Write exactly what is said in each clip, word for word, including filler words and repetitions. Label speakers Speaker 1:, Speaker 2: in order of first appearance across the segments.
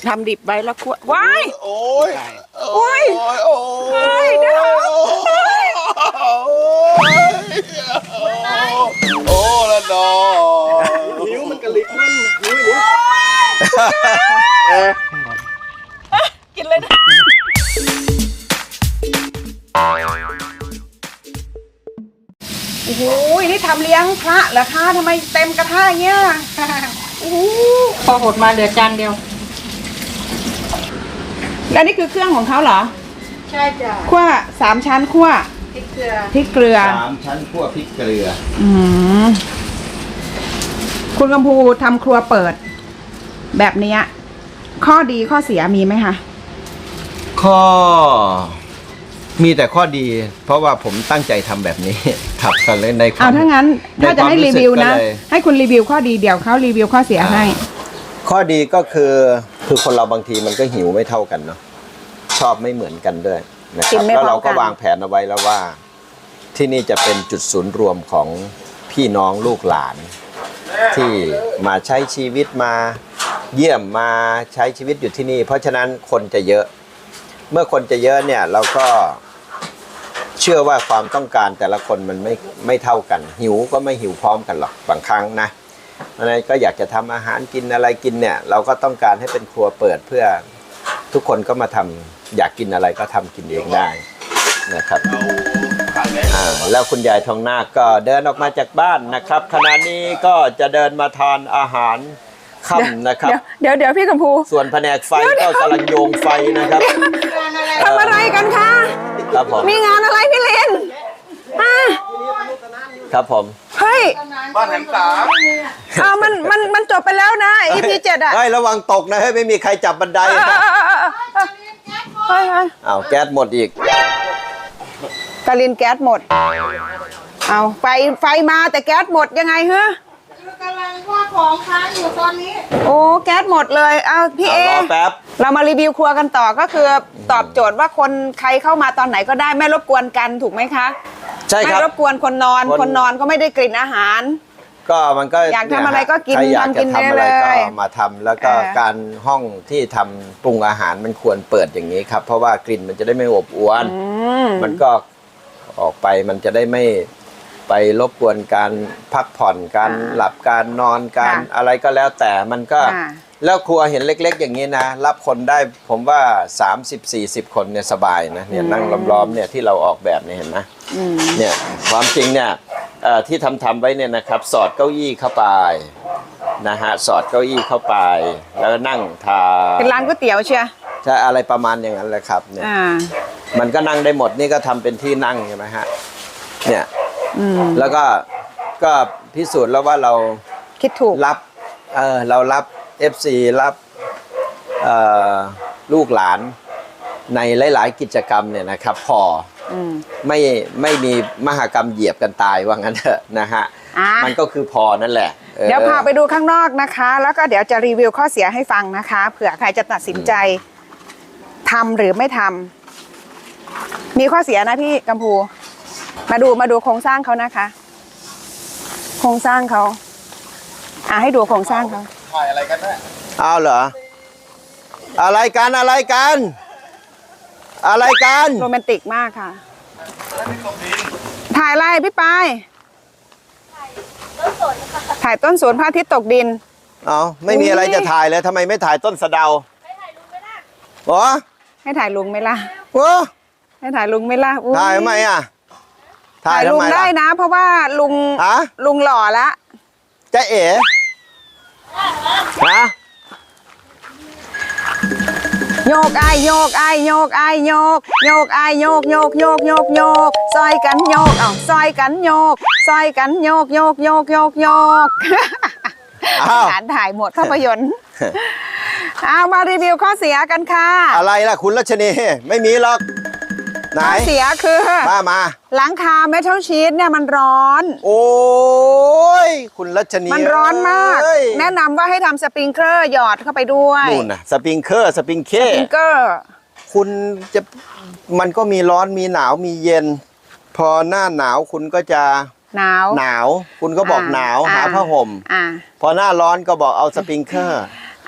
Speaker 1: ทำดิบไว้แล้วคั่วว้าย
Speaker 2: โอ้ย
Speaker 1: โอ้ย
Speaker 2: โอ้ย
Speaker 1: เดี๋ยว
Speaker 2: โอ้ละนอ
Speaker 3: นิ้วมันกระลิกมันนิ้วเดี๋ยว
Speaker 1: กินเลยนะโอ้โหนี่ทำเลี้ยงพระเหรอคะทำไมเต็มกระทะอย่างเงี้ยโอ้โห
Speaker 4: พอหดมาเหลือจานเดียว
Speaker 1: แล้วนี่คือเครื่องของเขาเหรอ
Speaker 4: ใช่จ้ะ
Speaker 1: คั่วสามชั้นคั่ว
Speaker 4: พริกเกลือ
Speaker 1: พริกเกลือ
Speaker 2: สามชั้นคั่วพริกเกลือ
Speaker 1: อืมคุณกำพูทำครัวเปิดแบบนี้ข้อดีข้อเสียมีไหมคะ
Speaker 2: ข้อมีแต่ข้อดีเพราะว่าผมตั้งใจทำแบบนี้ครับกันเลยในความ
Speaker 1: เอาถ้างั้นถ้าจะให้รีวิวนะให้คุณรีวิวข้อดีเดี๋ยวเขารีวิวข้อเสียให้
Speaker 2: ข้อดีก็คือคือคนเราบางทีมันก็หิวไม่เท่ากันเนาะชอบไม่เหมือนกันด้วยนะครับแล้วเราก็วางแผนเอาไว้แล้วว่าที่นี่จะเป็นจุดศูนย์รวมของพี่น้องลูกหลานที่มาใช้ชีวิตมาเยี่ยมมาใช้ชีวิตอยู่ที่นี่เพราะฉะนั้นคนจะเยอะเมื่อคนจะเยอะเนี่ยเราก็เชื่อว่าความต้องการแต่ละคนมันไม่ไม่เท่ากันหิวก็ไม่หิวพร้อมกันหรอกบางครั้งนะเพราะฉะนั้นก็อยากจะทำอาหารกินอะไรกินเนี่ยเราก็ต้องการให้เป็นครัวเปิดเพื่อทุกคนก็มาทำอยากกินอะไรก็ทำกินเองได้นะครับอ่าแล้วคุณยายทองนาคก็เดินออกมาจากบ้านนะครับขณะนี้ก็จะเดินมาทานอาหารค่ำนะครับ
Speaker 1: เดี๋ยวเดี๋ยวพี่กัมพู
Speaker 2: ส่วนแผนกไฟก็กำลังโยงไฟนะครับ
Speaker 1: ทำอะไรกันคะ
Speaker 2: ครับผม
Speaker 1: มีงานอะไรพี่เลน
Speaker 2: ครับผม
Speaker 1: เฮ้ย
Speaker 3: บ้านแหลมสาม
Speaker 1: อ้าวมันมันมันจบไปแล้วนะ อี พี เจ็ดอ่ะ
Speaker 2: เฮ้ยระวังตกนะเฮ้ยไม่มีใครจับบันได
Speaker 1: เฮ้ย
Speaker 2: อ้าวแก๊สหมดอีก
Speaker 1: กาลินแก๊สหมดเอาไฟไฟมาแต่แก๊สหมดยังไงฮะ
Speaker 4: กำลังว่าของค้างอยู่ตอนนี้
Speaker 1: โอ้แก๊สหมดเลยเอาพี่เอ
Speaker 2: รอแป๊บ
Speaker 1: เรามารีวิวครัวกันต่อก็คือตอบโจทย์ว่าคนใครเข้ามาตอนไหนก็ได้ไม่รบกวนกันถูกไหมคะ
Speaker 2: ใช่ครับ
Speaker 1: ไม่รบกวนคนนอนคนนอนก็ไม่ได้กลิ่นอาหาร
Speaker 2: ก็มันก็
Speaker 1: อยากทำอะไรก็กิน
Speaker 2: ทำกินได้เลยก็มาทำแล้วก็การห้องที่ทำปรุงอาหารมันควรเปิดอย่างนี้ครับเพราะว่ากลิ่นมันจะได้ไม่อบอวนมันก็ออกไปมันจะได้ไม่ไปรบกวนการพักผ่อนการหลับการนอนการอะไรก็แล้วแต่มันก็แล้วครัวเห็นเล็กๆอย่างนี้นะรับคนได้ผมว่า สามสิบสี่สิบ คนเนี่ยสบายนะเนี่ยนั่งล้อมๆเนี่ยที่เราออกแบบเนี่ยเห็นไหมเนี่ยความจริงเนี่ยที่ทำทำไว้เนี่ยนะครับสอดเก้าอี้เข้าไปนะฮะสอดเก้าอี้เข้าไปแล้วนั่งทาน
Speaker 1: เป็นร้านก๋วยเตี๋ยวเชีย
Speaker 2: ใช่อะไรประมาณอย่างนั้นเลยครับเนี่ยมันก็นั่งได้หมดนี่ก็ทำเป็นที่นั่งใช่ไหมฮะเนี่ยแล้วก็ก็พิสูจน์แล้วว่าเรา
Speaker 1: คิดถูก
Speaker 2: รับเออเรารับ เอฟ ซี รับลูกหลานในหลายๆกิจกรรมเนี่ยนะครับพอไม่ไม่มีมหกรรมเหยียบกันตายว่างั้นเถอะนะฮะมันก็คือพอนั่นแหละ
Speaker 1: เดี๋ยวพาไปดูข้างนอกนะคะแล้วก็เดี๋ยวจะรีวิวข้อเสียให้ฟังนะคะเผื่อใครจะตัดสินใจทำหรือไม่ทำมีข้อเสียนะพี่กัมพูมาดูมาดูโครงสร้างเขานะคะโครงสร้างเขาอ่ะให้ดูโครงสร้างเขา
Speaker 3: ถ่ายอะไรกันแม่
Speaker 2: เอาเหรออะไรกันอะไรกันอะไรกัน
Speaker 1: โรแมนติกมากค่ะถ่ายอะไรพี่ปายถ่ายต้นสนพระอาทิตย์ตกดิน
Speaker 2: เอาไม่มีอะไรจะถ่ายเลยทำไมไม่ถ่ายต้นสะเดาให้ถ่ายลุงไหมล่ะโอ้
Speaker 1: ให้ถ่ายลุงไหมล่ะ
Speaker 2: โอ้
Speaker 1: ให้ถ่ายลุงไหมล่ะ
Speaker 2: ถ่ายทำไมอ่ะ
Speaker 1: ถ่ายลุงได้นะเพราะว่าลุงลุงหล่อละ
Speaker 2: จะเอ๋ฮะ
Speaker 1: โยกไอโยกไอโยกไอโยกโยกไอโยกโยกโยกโยกโยกซอยกันโยกเอ้าซอยกันโยกซอยกันโยกโยกโยกโยกโยกฐานถ่ายหมดภาพยนตร์เอามารีวิวข้อเสียกันค่ะ
Speaker 2: อะไรล่ะคุณรัชนีไม่มีหรอก
Speaker 1: ข้อเสียคือ
Speaker 2: มามา
Speaker 1: หลังคาเมทัลชีทเนี่ยมันร้อน
Speaker 2: โอ้ยคุณรัชนี
Speaker 1: มันร้อนมากแนะนำว่าให้ทำสปริงเกอร์หยอดเข้าไปด้วย
Speaker 2: นู่นนะสปริงเกอร์สปริงเค
Speaker 1: สปริงเกอร์
Speaker 2: คุณจะมันก็มีร้อนมีหนาวมีเย็นพอหน้าหนาวคุณก็จะ
Speaker 1: หนาว
Speaker 2: หนาวคุณก็บอกหนาวหาผ้าห่มพอหน้าร้อนก็บอกเอาสปริงเกอร์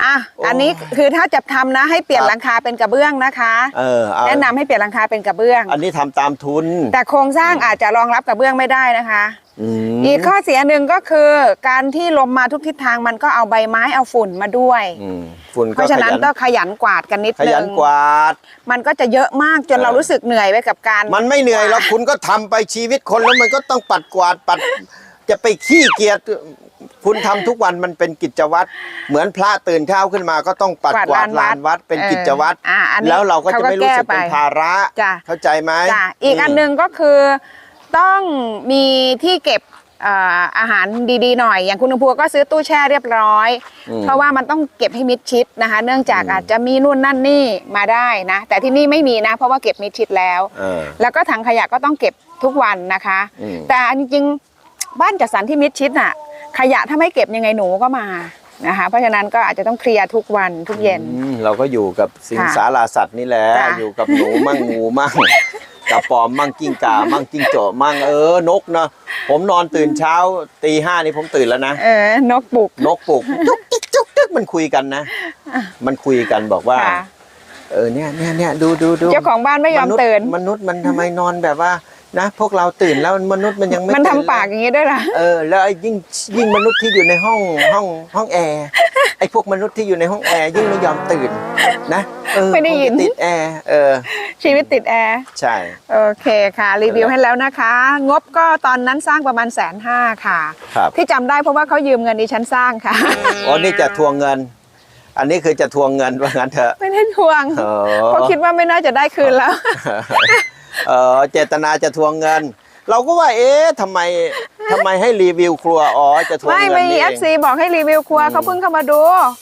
Speaker 1: อ่ะอันนี้คือถ้าจะทำนะให้เปลี่ยนหลังคาเป็นกระเบื้องนะคะ
Speaker 2: เออเอา
Speaker 1: แนะนำให้เปลี่ยนหลังคาเป็นกระเบื้อง
Speaker 2: อันนี้ทำตามทุน
Speaker 1: แต่โครงสร้างอาจจะรองรับกระเบื้องไม่ได้นะคะ
Speaker 2: อืม
Speaker 1: อีกข้อเสียหนึ่งก็คือการที่ลมมาทุกทิศทางมันก็เอาใบไม้เอาฝุ่นมาด้วย
Speaker 2: อืมฝุ่น
Speaker 1: เพ
Speaker 2: ก็
Speaker 1: ราะฉะ
Speaker 2: ข
Speaker 1: นั้น
Speaker 2: ยัน
Speaker 1: ต้องขยันกวาดกันนิด
Speaker 2: ข
Speaker 1: นึ
Speaker 2: ยัน
Speaker 1: ง
Speaker 2: กวาด
Speaker 1: มันก็จะเยอะมากจน
Speaker 2: เออ
Speaker 1: เรารู้สึกเหนื่อยไปกับการ
Speaker 2: มันไม่เหนื่อยแล้วคุณก็ทำไปชีวิตคนแล้วมันก็ต้องปัดกวาดปัด จะไปขี้เกียจคุณทำทุกวันมันเป็นกิจวัตรเหมือนพระตื่นเช้าขึ้นมาก็ต้องปัดกวาดลานวัดเป็นกิจวัตร
Speaker 1: อ่าอันนี้
Speaker 2: แล้วเราก็จะไม่รู้สึกเป็นภาระ
Speaker 1: จ้ะ
Speaker 2: เข้าใจไหม
Speaker 1: จ้ะอีกอันหนึงก็คือต้องมีที่เก็บเอ่ออาหารดีๆหน่อย อย่างคุณอภัวก็ซื้อตู้แช่เรียบร้อย
Speaker 2: อืม
Speaker 1: เพราะว่ามันต้องเก็บให้มิดชิดนะคะ เนื่องจากอาจจะมีนู่นนั่นนี่มาได้นะ แต่ที่นี่ไม่มีนะ เพราะว่าเก็บมิดชิดแล้ว
Speaker 2: เออ
Speaker 1: แล้วก็ถังขยะก็ต้องเก็บทุกวันนะคะ
Speaker 2: อืม
Speaker 1: แต่จริงๆบ้านจัดสรรที่มิดชิดน่ะ ขยะถ้าไม่เก็บยังไงหนูก็มานะคะ เพราะฉะนั้นก็อาจจะต้องเคลียร์ทุกวันทุกเย็น
Speaker 2: อืมเราก็อยู่กับสิง
Speaker 1: ค่ะ
Speaker 2: สาราสัตว์นี่แหละ
Speaker 1: จ้ะ
Speaker 2: อยู่กับหนูมั่งงูมั่งกระปอมมั่งกิ้งก่ามั่งกิ้งโจมั่งเออนกนะผมนอนตื่นเช้าตีห้านี่ผมตื่นแล้วนะ
Speaker 1: เออนกปลุก
Speaker 2: นกปลุกจุกจิกจุกจิกมันคุยกันนะ มันคุยกันบอกว่า
Speaker 1: ค่ะ
Speaker 2: เออเนี่ยเนี่ยเนี่ยดูดูดู
Speaker 1: เจ้าของบ้านไม่ยอม
Speaker 2: นุษย์
Speaker 1: ตื่น
Speaker 2: มนุษย์มันทำไมนอนแบบว่านะ พวกเราตื่นแล้วมนุษย์มันยังไม่
Speaker 1: มันทำ
Speaker 2: ตื่
Speaker 1: ปากอย่างนี้ด้วยล่ะ
Speaker 2: เออแล้วไอ้ยิ่งยิ่งมนุษย์ที่อยู่ในห้องห้องห้องแอร์ไอ้พวกมนุษย์ที่อยู่ในห้องแอร์ยิ่งไม่ยอมตื่นนะเออ
Speaker 1: ไม่ได้ยิน
Speaker 2: คงจะติดแอร์เออ
Speaker 1: ชีวิตติดแอร์
Speaker 2: ใช่
Speaker 1: โอเคค่ะ รีวิวให้แล้วนะคะ งบก็ตอนนั้นสร้างประมาณแสนห้าค่ะ
Speaker 2: ครับ
Speaker 1: ที่จำได้เพราะว่าเขายืมเงินดิฉันสร้างค่ะ
Speaker 2: อ๋อนี่จะทวงเงิน อันนี้คือจะทวงเงินว่างั้นเถอะ
Speaker 1: ไม่ได้ทวง
Speaker 2: อ๋อ
Speaker 1: เพราะคิดว่าไม่น่าจะได้คืนแล้ว
Speaker 2: เออเจตนาจะทวงเงิน เราก็ว่าเอ๊ะทำไมทำไมให้รีวิวครัวอ๋อจะทวง
Speaker 1: ไม่
Speaker 2: เงิน
Speaker 1: ไม่
Speaker 2: นี่
Speaker 1: เอ
Speaker 2: เอ
Speaker 1: ฟ
Speaker 2: ง
Speaker 1: ซีบอกให้รีวิวครัวเขาเพิ่งเข้ามาดู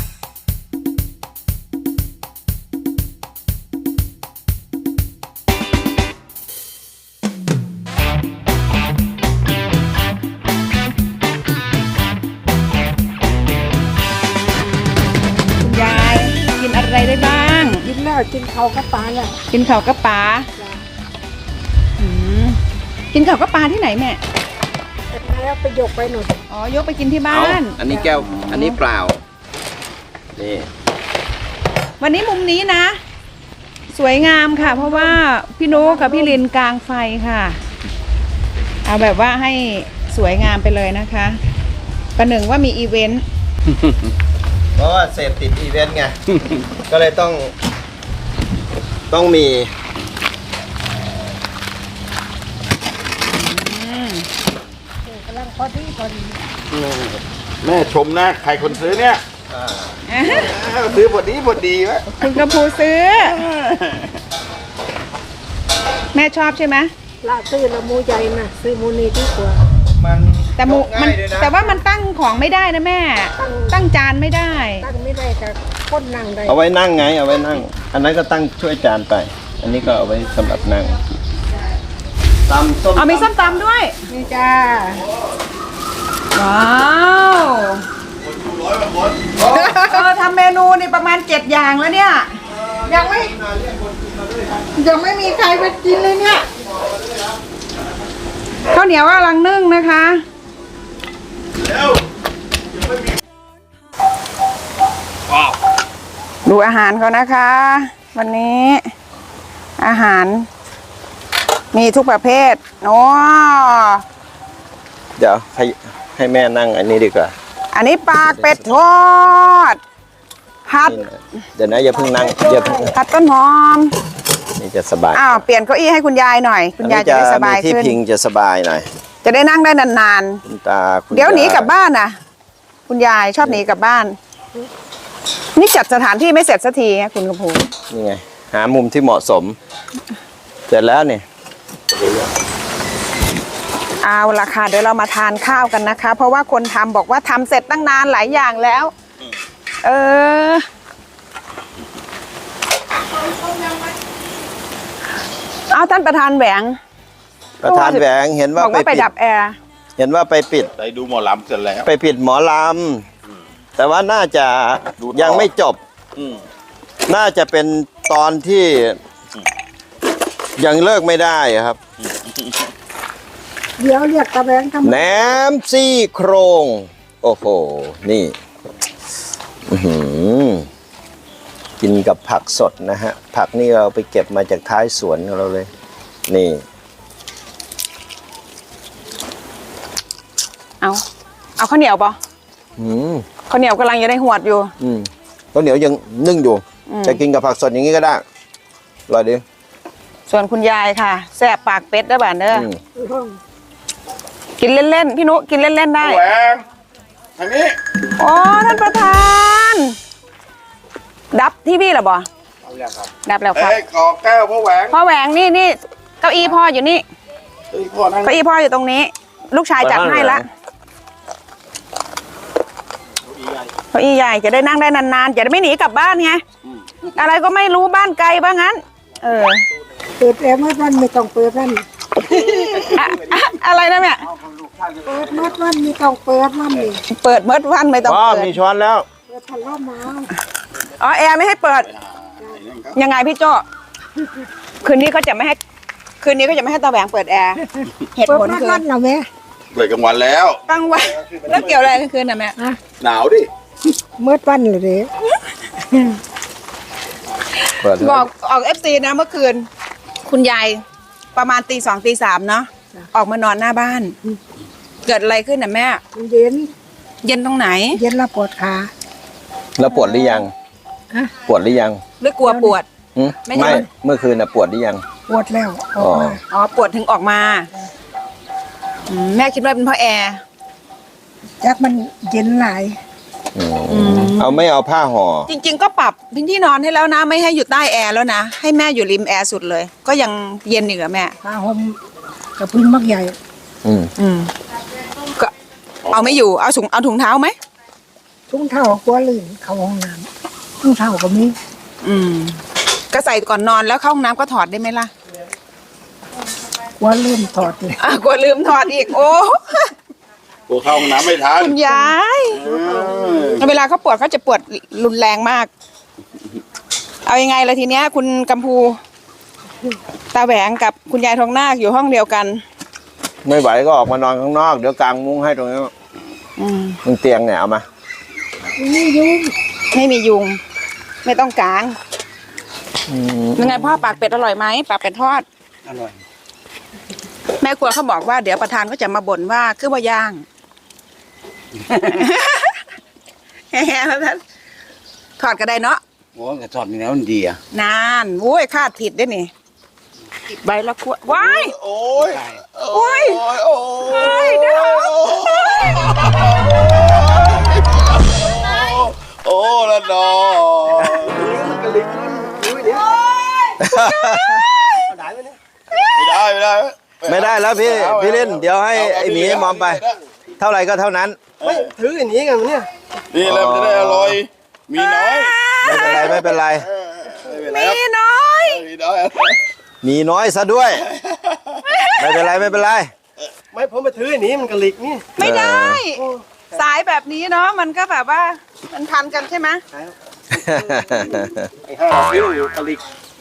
Speaker 1: คุณยายกินอะไรได้บ้าง
Speaker 4: กินแล้วกินเขาก็ปลาแล้ว
Speaker 1: กินข้าวกับปลาอืมกินข้าวกับปลาที่ไหนแม่
Speaker 4: แล้วไปยกไปหน่อย
Speaker 1: อ๋อยกไปกินที่บ้าน
Speaker 2: อันนี้แก้ว อันนี้เปล่า นี่
Speaker 1: วันนี้มุมนี้นะ สวยงามค่ะ เพราะว่าพี่นุกับพี่ลินกลางไฟค่ะ เอาแบบว่าให้สวยงามไปเลยนะคะประหนึ่งว่ามีอีเวนต์
Speaker 2: เพราะว่าเสพติดอีเวนต์ไง ก็เลยต้อง ต้องมี
Speaker 4: กำลังพอดีพอดี
Speaker 3: แม่ชมนะ ใครคนซื้อเนี่ยซื้อพอดีพอดีวะ
Speaker 1: คุณกระพูซื้อ แม่ชอบใช่ไหม
Speaker 4: ละซื้อละมูใหญ่นะซื้อมูนี่ดีกว่า
Speaker 2: มัน
Speaker 1: แต่หมู
Speaker 2: ยก
Speaker 1: มั
Speaker 2: ง่าน ยด้วยนะ
Speaker 1: แต่ว่ามันตั้งของไม่ได้นะแม่ ตั้งจานไม่ได้
Speaker 4: ตั้งไม่ได้กับก้นนั่งได้
Speaker 2: เอาไว้นั่งไง เอาไว้นั่ง อันนั้นก็ตั้งช่วยจานไป อันนี้ก็เอาไว้สำหรับนั่งตำส้ม
Speaker 1: เอามีส้มตำด้วย
Speaker 4: นี่จ้า
Speaker 1: ว้าวเออทำเมนูนี่ประมาณเจ็ดอย่างแล้วเนี่ย
Speaker 4: ยังไม่ยังไม่มีใครไปกินเลยเนี่ย
Speaker 1: ข้าวเหนียวกำลังนึ่งนะคะดูอาหารเขานะคะ วันนี้อาหาร มีทุกประเภทโอ้
Speaker 2: เดี๋ยวให้ให้แม่นั่งอันนี้ดีกว่า
Speaker 1: อันนี้ปากเป็ดทอดผัด
Speaker 2: นี่นะเดี๋ยวนะอย่าเพิ่งนั่งอย่าเพิ่ง
Speaker 1: ผัดต้นหอม
Speaker 2: นี่จะสบาย
Speaker 1: อ้าวเปลี่ยนเก้าอี้ให้คุณยายหน่อย คุณยายจะได้สบาย
Speaker 2: มีที่
Speaker 1: ขึ้น
Speaker 2: พิงจะสบายหน่อย
Speaker 1: จะได้นั่งได้นาน
Speaker 2: คุณตาคุณ
Speaker 1: ๆเดี๋ยวหนี
Speaker 2: าก
Speaker 1: ลับบ้านนะคุณยายชอบหนีกลับบ้าน นี่จัดสถานที่ไม่เสร็จสักทีนะคุณกระพู
Speaker 2: นี่ไง หามุมที่เหมาะสม เสร็จแล้วนี่
Speaker 1: เอาละค่ะเดี๋ยวเรามาทานข้าวกันนะคะ เพราะว่าคนทำบอกว่าทำเสร็จตั้งนานหลายอย่างแล้ว เออ เอาท่านประธานแหวง
Speaker 2: ประธานแหวงเห็นว่า
Speaker 1: บอก
Speaker 2: ไป
Speaker 1: ว่าไป
Speaker 2: ปิด
Speaker 1: ดับแอร์
Speaker 2: เห็นว่าไปปิด
Speaker 3: ไปดูหมอลำเสร็จแล้ว
Speaker 2: ไปปิดหมอลำแต่ว่าน่าจะ
Speaker 3: ดูต่อ
Speaker 2: ยังไม่จบ
Speaker 3: อืม
Speaker 2: น่าจะเป็นตอนที่ยังเลิกไม่ได้ครับ
Speaker 4: เดี๋ยวเรียกตะแบงทำ
Speaker 2: แหนมซี่โครง โอ้โห นี่ อื้อหือกินกับผักสดนะฮะผักนี่เราไปเก็บมาจากท้ายสวนของเราเลยนี่
Speaker 1: เอาเอาข้าวเหนียวปะ
Speaker 2: อืม
Speaker 1: ข้าวเหนียวกำลังจะได้หวดอยู่
Speaker 2: อืมข้าวเหนียวยังนึ่งอยู่
Speaker 1: อืม
Speaker 2: จะกินกับผักสดอย่างนี้ก็ได้อร่อยดี
Speaker 1: ส่วนคุณยายค่ะแซ่บปากเป็ดได้บ้านเด้อ
Speaker 2: อืม
Speaker 1: กินเล่นๆพี่นุกินเล่นๆได้
Speaker 3: แหวงทางนี้
Speaker 1: โอ้ท่านประธาน ดับที่พี่เหรอบอดับแล้วครับ
Speaker 3: เอ้ยกอแก้วพ่อแหวง
Speaker 1: พ่อแหวงนี่นี่เก้าอี้พ่ออยู่นี่
Speaker 3: เอ้ยพ่อนั่ง
Speaker 1: เก้าอี้พ่ออยู่ตรงนี้ ลูกชายจัดให้ละเก้าอี้ใหญ่จะได้นั่งได้นานๆจะได้ไม่หนีกลับบ้านไงอะไรก็ไม่รู้บ้านไกลบ้างงั้น เออ
Speaker 4: เปิดแอร์มืดวันไม่ต้องเปิดวัน
Speaker 1: อะอะอะไรนะแม่
Speaker 4: เปิดมืดวันไม่ต้องเปิดวันนี่
Speaker 1: เปิดเมื่อวันไม่ต้อง
Speaker 2: ว้าว
Speaker 1: เปิด
Speaker 2: มีช้อนแล้ว
Speaker 4: เปิดพัดลมมา
Speaker 1: อ๋อแอร์ไม่ให้เปิด ยังไงพี่โจ้คืนนี้เขาจะไม่ให้ คืนนี้เขาจะไม่ให้ตาแหวงเปิดแอร์เหตุ
Speaker 4: เปิด
Speaker 1: ผล
Speaker 4: มืด
Speaker 1: คือ
Speaker 4: วันเหรอแม่
Speaker 3: เปิดกลางวันแล้ว
Speaker 1: ตั้งไว้แล้วเกี่ยวอะไรกันคืนน่ะแม่
Speaker 3: หนาวดิ
Speaker 4: มืดวันเลยเด้
Speaker 2: เปิด
Speaker 1: บอกออกเอฟซีนะเมื่อคืน คุณยายประมาณตีสองตีสามเนาะออกมานอนหน้าบ้าน เกิดอะไรขึ้นน่ะแม่
Speaker 4: มันเย็น
Speaker 1: เย็นตรงไหน
Speaker 4: เย็นแล้วปวดขา
Speaker 2: แล้วปวดหรือยัง
Speaker 4: ฮะ
Speaker 2: ปวดหรือยัง
Speaker 1: หรือกลัวปวด
Speaker 2: หึ
Speaker 1: ไม่ใช่
Speaker 2: ไม่เมื่อคืนน่ะปวดหรือยัง
Speaker 4: ปวดแล้วอ
Speaker 2: อ๋
Speaker 4: อก
Speaker 2: อ
Speaker 4: มา
Speaker 1: อ๋อปวดถึงออกมาอืมแม่คิดว่าเป็นเพราะแอร์
Speaker 4: จักมันเย็นหลาย
Speaker 2: อืมเอาไม่เอาผ้าห่อ
Speaker 1: จริง ๆ ก็ปรับพื้นที่นอนให้แล้วนะ ไม่ให้อยู่ใต้แอร์แล้วนะ ให้แม่อยู่ริมแอร์สุดเลย ก็ยังเย็นอยู่กับแม่
Speaker 4: ผ้าห่มกับพื้นมักใหญ่
Speaker 2: อืม
Speaker 1: อืมก็เอาไม่อยู่เอาถุงเอาถุงเท้าไหม
Speaker 4: ทุ่งเท่ากลัวลื่นเข้าห้องน้ำทุ่งเท่าก็มี
Speaker 1: อืม ก็ใส่ก่อนนอนแล้วเข้าห้องน้ำก็ถอดได้ไหมล่ะ
Speaker 4: กลัวลื่นถอดเลย
Speaker 1: อ่ะกลัวลืมถอดอีก โอ้
Speaker 3: กูเข้าห้องน้ำไม่ทัน
Speaker 1: คุณยาย
Speaker 3: เออ
Speaker 1: เวลาเขาปวดเขาจะปวดรุนแรงมาก เอายังไงล่ะทีเนี้ย คุณกัมพู ตาแหวงกับคุณยายทองนาคอยู่ห้องเดียวกัน
Speaker 2: ไม่ไหวก็ออกมานอนข้างนอกเดี๋ยวกางมุ้งให้ตรงนี้
Speaker 1: อืม
Speaker 2: มึงเตียงเนี่ยเอามา
Speaker 4: นี่ยุ่ง
Speaker 1: ไม่มียุง ไม่ต้องกาง
Speaker 2: อืม
Speaker 1: ยังไงพ่อปากเป็ดอร่อยไหมปากเป็ดทอด
Speaker 3: อร่อย
Speaker 1: แม่ครัวเขาบอกว่าเดี๋ยวประธานก็จะมาบ่นว่าคือว่าย่าง แฮ่ๆแล้วท่านถอดก็ได้เนาะ
Speaker 3: โอ้กระสอบนี่แล้วมันดีอ่ะ
Speaker 1: นานโว้ยคาดผิดด้วยนี่ใบละขวดว้าย
Speaker 3: โอ้ย
Speaker 1: โอ้ย
Speaker 3: โอ้ยโอ้
Speaker 1: โอ้ย
Speaker 3: ย
Speaker 1: เดี๋ยว
Speaker 3: โอ้ละดอ ไม่ได้ไม่ได้
Speaker 2: ไม่ได้แล้วพี่พี่ลินเดี๋ยวให้ไอ้หมีมอมไป เท่าไหร่ก็เท่านั้น
Speaker 3: ไม่ถืออย่างนี้กันเนี่ยนี่แหละมันจะได้อร่อยมีน้อย
Speaker 2: ไม่เป็นไรไม่เป็นไร
Speaker 3: ไม่เป็นไร
Speaker 1: มีน้อย
Speaker 3: มีน้อย
Speaker 2: มีน้อยซะด้วย ไม่เป็นไรไม่เป็นไร
Speaker 5: ไม่ผมไปถืออันนี้มันกระลิกนี่
Speaker 1: ไม่ได้ สายแบบนี้เนาะมันก็แบบว่า มันพันกันใช่ไหม
Speaker 5: ไอ้ห้าคิ้วอยู่กระลิก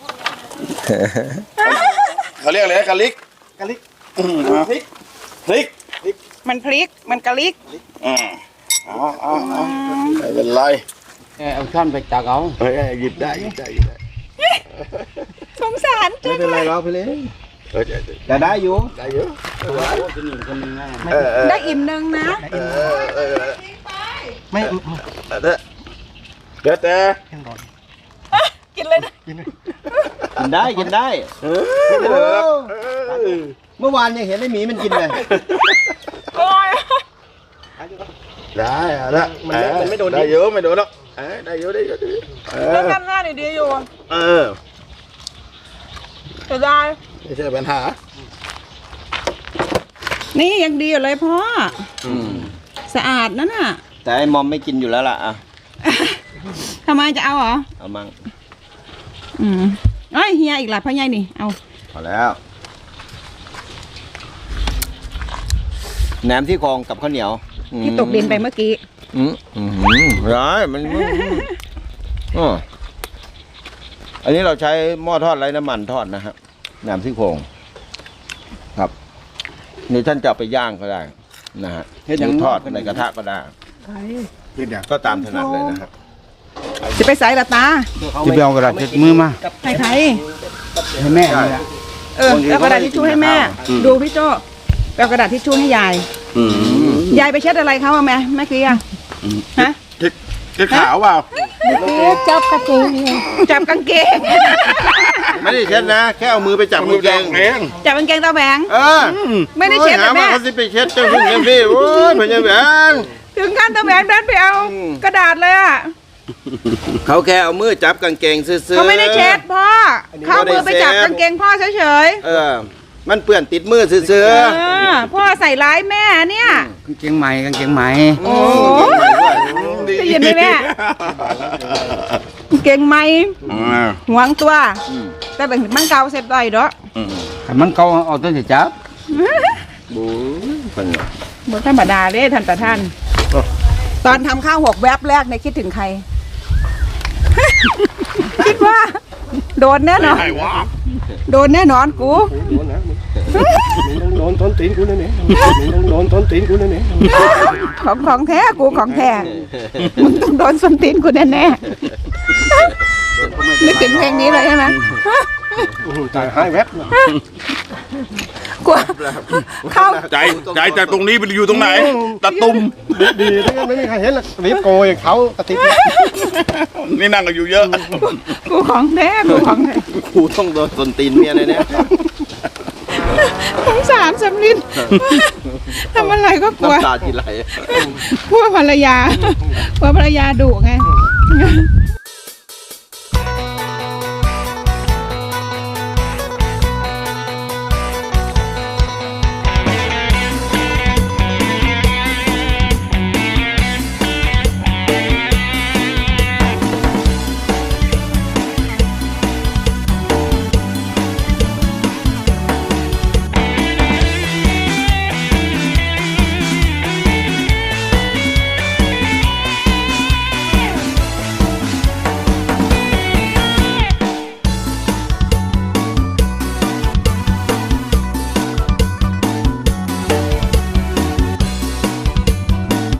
Speaker 3: เขาเรียกอะไรนะกะลิก
Speaker 5: กระลิก
Speaker 3: อืม
Speaker 5: พริก
Speaker 3: พริก
Speaker 1: มันพลิกมันกระลิก
Speaker 3: อืมเอ๋อาเอ๋ไม่เป็นไร
Speaker 5: เอาช้อนไปตักเอา
Speaker 3: เฮ้ยหยิบได้หยิบได้หยิบได้
Speaker 1: สงสาร
Speaker 2: ไม่เป็นไรหรอกพี่ลิน
Speaker 3: เออได้
Speaker 2: จะได้อยู่
Speaker 3: ได้เยอะ
Speaker 5: คนหนึ่งคนหนึ่งนะ
Speaker 3: เออเออ
Speaker 1: ได้อิ่มนึงนะ
Speaker 3: เออเออ
Speaker 5: ไม่
Speaker 3: เด้อเด้อแต่
Speaker 1: กินเลยนะ
Speaker 2: กินได้กินได้
Speaker 3: เออไม่เป็นไรหรอกเออ
Speaker 2: เมื่อวานยังเห็นไอ้หมีมันกินเลย
Speaker 1: โอ้ย
Speaker 3: ได้เอาละมันไม่โดนได้เยอะไม่โดนหรอกเออได้เยอะได้เยอะได้เยอะเอ
Speaker 1: เรื่อง
Speaker 3: อ
Speaker 1: กันหน้าดีๆอยู่
Speaker 3: เออ
Speaker 1: จะได้
Speaker 3: ไม่ใช่ปัญหา
Speaker 1: นี่ยังดีอยู่เลยพ่อ
Speaker 2: อืม
Speaker 1: สะอาดนั่นน่ะ
Speaker 2: แต่ไอ้มอมไม่กินอยู่แล้วล่ะอ่ะ
Speaker 1: ทำไมจะเอาเหรอ
Speaker 2: เอามั่ง
Speaker 1: อืมเอ้ยเฮียอีกหลายพ่อใหญ่นี่ เอา
Speaker 2: พอแล้วแหนมที่โครงกับข้าวเหนียวอืม
Speaker 1: ที่ตกดินไปเมื่อกี้
Speaker 2: อืมอืมร้ายมันอ๋ออันนี้เราใช้หม้อทอดไร้น้ำมันทอดนะฮะแหนมที่โครงครับนี่ท่านจะเอาไปย่างก็ได้นะฮะหรือทอดในกระทะก็ได้
Speaker 4: ไป
Speaker 2: ก็ตามถนัดเลยนะครับ
Speaker 1: จะไปใส่ละตา
Speaker 5: จะไปเอากระดาษเช็ดมือมา
Speaker 1: ให้ใคร
Speaker 5: ให้แม่นี่แหละ
Speaker 1: เออแล้วกระดาษทิชชู่ให้แม่ ดูพี่โจ้เอากระดาษทิชชู่ให้ยาย
Speaker 3: อืม
Speaker 1: ยายไปเช็ดอะไรเขาอะแม่แม่กี้อะฮะ
Speaker 3: เช็ดเช็ดขาวเปล่า
Speaker 4: จับกระเทียม
Speaker 1: จับกางเกง
Speaker 2: ไม่ได้เช็ดนะ แค่เอามือไปจับมือแกง
Speaker 3: เอง
Speaker 1: จับกางเกงตาแหวง
Speaker 2: เออ
Speaker 1: ไม่ได้เช็ด
Speaker 2: หา
Speaker 1: นะ
Speaker 2: ว่า
Speaker 1: แม่
Speaker 2: เขาสิไปเช็ดเจ้าหุ่นยังพี่โอ้ยพญาแหวน
Speaker 1: ถึงขั้นตาแหวงเดินไปเอากระดาษเลยอะ
Speaker 2: เขาแค่เอามือจับกางเกงซื่อๆ
Speaker 1: เขาไม่ได้เช็ดพ่อเข้ามือไปจับกางเกงพ่อเฉย
Speaker 2: เออ มันเปื้อนติดมือซื่อ
Speaker 1: ๆเออพ่อใส่ร้ายแม่เนี่ย
Speaker 5: กางเกงใหม่กางเกงใหม่
Speaker 2: ๆ
Speaker 1: โอ้ได้ยินไหมแม่กางเกงไหม
Speaker 3: อ่า
Speaker 1: หวงตัว แต่เป็นมันเก่าเสร็จได้เด้อ
Speaker 3: อืม
Speaker 5: ถ้ามันเก่าเอาตัวจะจับ
Speaker 2: บู๊เพิ่นน่ะ
Speaker 1: บนธรรมดาเลยท่านประท่าน ตอนทำข้าวหกแวบแรกในยคิดถึงใคร คิดว่า โดนแน่นอน
Speaker 3: ใครวะ
Speaker 1: โดนแน่นอนกู
Speaker 6: โดนต้นตีนกูนั่นเองโดนต้นตีนกูนั่นเอง
Speaker 1: ของของแท้กูของแท้มึงต้องโดนส้นตีนกูแน่แน่ๆนึกถึงเพลงนี้เลยใช่ไหม
Speaker 6: ตายหายแวบ
Speaker 1: กลัวเข้า
Speaker 3: ใจใจจากตรงนี้ไปอยู่ตรงไหนตะตุ่ม
Speaker 6: ดีๆไม่มีใครเห็นหรอกรีบโกยเขาตะติก
Speaker 3: นี่นั่งกันอยู่เยอะ
Speaker 1: กูของแท้กูของแท้
Speaker 2: กูต้องโดนตนตีนเมียแน่
Speaker 1: สงสารสำลินทำอะไรก็กลัว
Speaker 2: น้ำตาทีไหล
Speaker 1: กลัวภรรยากลัวภรรยาดุไง